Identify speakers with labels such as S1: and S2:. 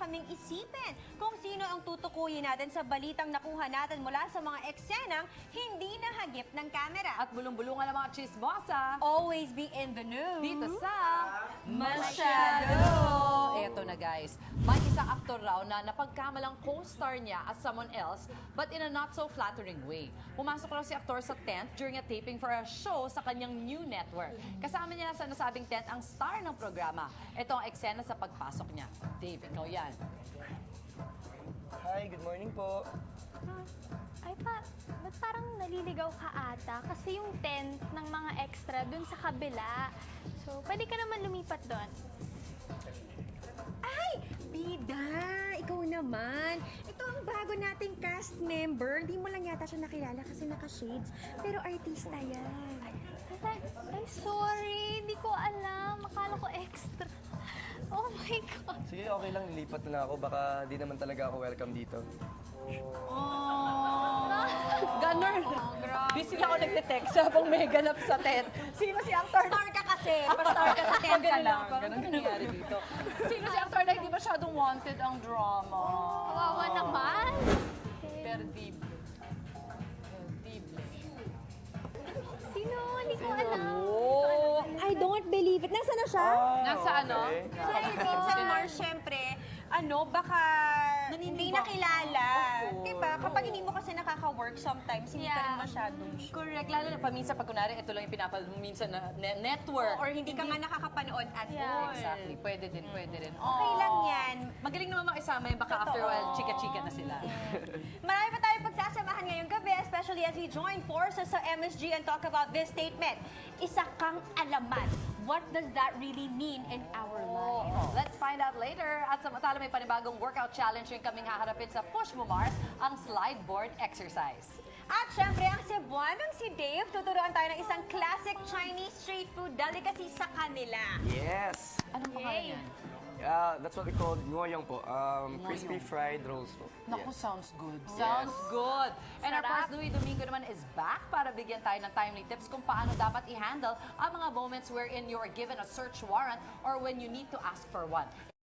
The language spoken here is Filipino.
S1: kaming isipin kung sino ang tutukuyin natin sa balitang nakuha natin mula sa mga eksenang hindi nahagip ng kamera.
S2: At bulong-bulungan ng mga chismosa.
S1: Always be in the news.
S2: Dito sa
S1: Masyado!
S2: Eto na guys, may isang aktor raw na napagkamalang co-star niya as someone else but in a not so flattering way. Pumasok raw si aktor sa tent during a taping for a show sa kanyang new network. Kasama niya sa nasabing tent ang star ng programa. Ito ang eksena sa pagpasok niya. Dave, ikaw yan.
S3: Hi, good morning po.
S4: Ay ba't parang naliligaw ka ata? Kasi yung tent ng mga extra dun sa kabila. So, pwede ka naman lumipat doon.
S1: Ay, Bida! Ikaw naman. Ito ang bago nating cast member. Hindi mo lang yata siya nakilala kasi naka-shades. Pero artista yan.
S4: Ay, sorry. Hindi ko alam. Akala ko extra. Oh my God.
S3: Sige, okay lang, nilipat na ako. Baka di naman talaga ako welcome dito.
S2: Ganun. Busy lang ako nagte-text habang may ganap sa tent. Sino si actor?
S1: Star ka kasi. Pa-star ka sa tent ka lang.
S2: Ganun nangyari dito. Sino si actor na hindi masyadong wanted ang drama?
S4: Kawawa naman.
S2: Perdible.
S4: Sino? Hindi ko alam.
S2: Oh!
S1: I don't believe it. Nasaan na siya?
S2: Nasa ano?
S1: Sa Vincent Mars, syempre, baka hindi nakilala. Diba? Kapag hindi mo kasi nakaka-work sometimes, hindi ka rin masyadong sure.
S2: Correct. Lalo na paminsan pag kunwari, ito lang yung pinapal minsan na network.
S1: Or hindi ka nga nakakapanood at all.
S2: Exactly. Pwede din, pwede rin.
S1: Okay lang yan.
S2: Magaling naman makisama yung baka after a while, chika-chika na sila.
S1: Marami pa tayong pagsasamahan ngayong gabi, especially as we join forces sa MSG and talk about this statement. Isa kang alamat. What does that really mean in our lives?
S2: Let's find out later. At samantala may panibagong workout challenge yung kaming haharapin sa Push Mo Mars, ang slide board exercise.
S1: At syempre, ang Cebuanong si Dave, tuturuan tayo ng isang classic Chinese street food delicacy sa kanila.
S3: Yes!
S2: Anong pangalan yan?
S3: That's what we call ngoyong po. Crispy fried rolls po.
S2: Naku,
S3: Yes.
S2: sounds good. Sounds good. And our
S4: Sarap.
S2: course, Louie Domingo naman is back para bigyan tayo ng timely tips kung paano dapat i-handle ang mga moments wherein you are given a search warrant or when you need to ask for one.